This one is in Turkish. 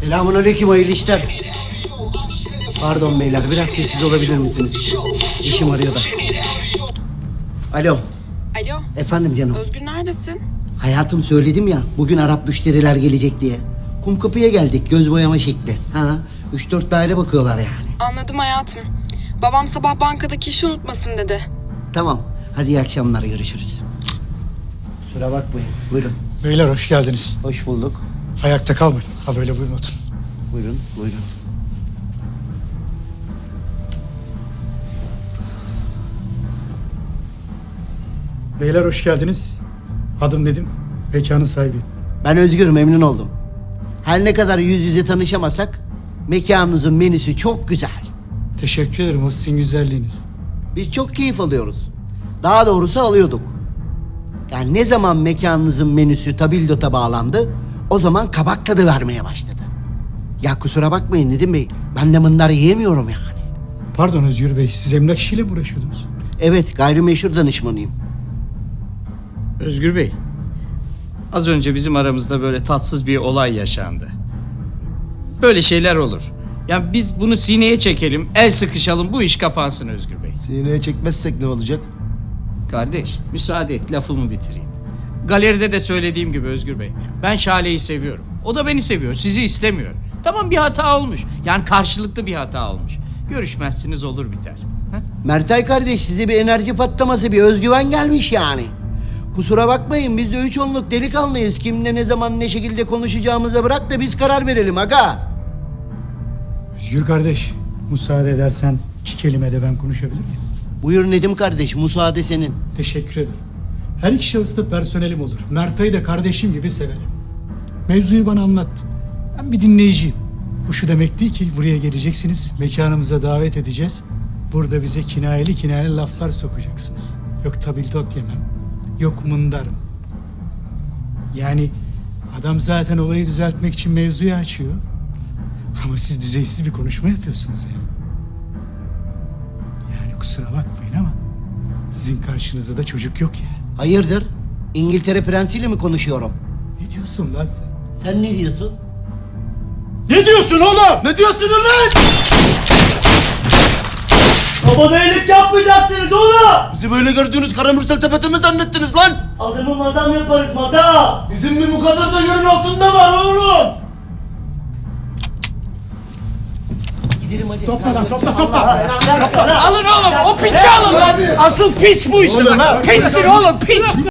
Selamünaleyküm, hayırlı işler. Pardon beyler, biraz sessiz olabilir misiniz? Eşim arıyor da. Alo. Alo. Efendim canım. Özgür neredesin? Hayatım, söyledim ya, bugün Arap müşteriler gelecek diye. Kumkapı'ya geldik, göz boyama şekli. 3-4 daire bakıyorlar yani. Anladım hayatım. Babam sabah bankadaki işi unutmasın dedi. Tamam, hadi iyi akşamlar, görüşürüz. Kusura bakmayın, buyurun. Beyler hoş geldiniz. Hoş bulduk. Ayakta kalmayın. Ha böyle buyurun oturun. Buyurun, buyurun. Beyler hoş geldiniz. Adım Nedim. Mekanın sahibi. Ben Özgür, memnun oldum. Her ne kadar yüz yüze tanışamasak, mekanınızın menüsü çok güzel. Teşekkür ederim o sizin güzelliğiniz. Biz çok keyif alıyoruz. Daha doğrusu alıyorduk. Yani ne zaman mekanınızın menüsü tabildota bağlandı, o zaman kabak tadı vermeye başladı. Ya kusura bakmayın Nedim Bey, ben de mındar yiyemiyorum yani. Pardon Özgür Bey, siz emlak işiyle mi uğraşıyordunuz? Evet, gayrimeşhur danışmanıyım. Özgür Bey, az önce bizim aramızda böyle tatsız bir olay yaşandı. Böyle şeyler olur. Yani biz bunu sineye çekelim, el sıkışalım, bu iş kapansın Özgür Bey. Sineye çekmezsek ne olacak? Kardeş, müsaade et, lafımı bitireyim. Galeride de söylediğim gibi Özgür Bey, ben Şale'yi seviyorum. O da beni seviyor, sizi istemiyor. Tamam, bir hata olmuş. Yani karşılıklı bir hata olmuş. Görüşmezsiniz, olur biter. Ha? Mertay kardeş, size bir enerji patlaması, bir özgüven gelmiş yani. Kusura bakmayın, biz de 3 onluk delikanlıyız. Kimle ne zaman ne şekilde konuşacağımıza bırak da biz karar verelim aga. Özgür kardeş, müsaade edersen 2 kelime de ben konuşabilir miyim? Buyur Nedim kardeş, müsaade senin. Teşekkür ederim. Her iki şahıs da personelim olur. Mertay'ı da kardeşim gibi severim. Mevzuyu bana anlattı. Ben bir dinleyiciyim. Bu şu demek değil ki buraya geleceksiniz, mekanımıza davet edeceğiz. Burada bize kinayeli laflar sokacaksınız. Yok tabildot yemem, yok mındarım. Yani adam zaten olayı düzeltmek için mevzuyu açıyor. Ama siz düzeysiz bir konuşma yapıyorsunuz yani. Yani kusura bakmayın ama sizin karşınızda da çocuk yok ya. Hayırdır? İngiltere prensiyle mi konuşuyorum? Ne diyorsun lan sen? Sen ne diyorsun? Ne diyorsun oğlum? Ne diyorsun lan? Babana iyilik yapmayacaksınız oğlum. Bizi böyle gördüğünüz karamürsel tepete mi zannettiniz lan? Adamı madam yaparız madam. Bizim mi bu kadar da yerin altında var oğlum? Gidelim hadi. Topla lan topla. Alın oğlum, o piçi alın. Asıl piç bu işte. Piçsin oğlum, piç.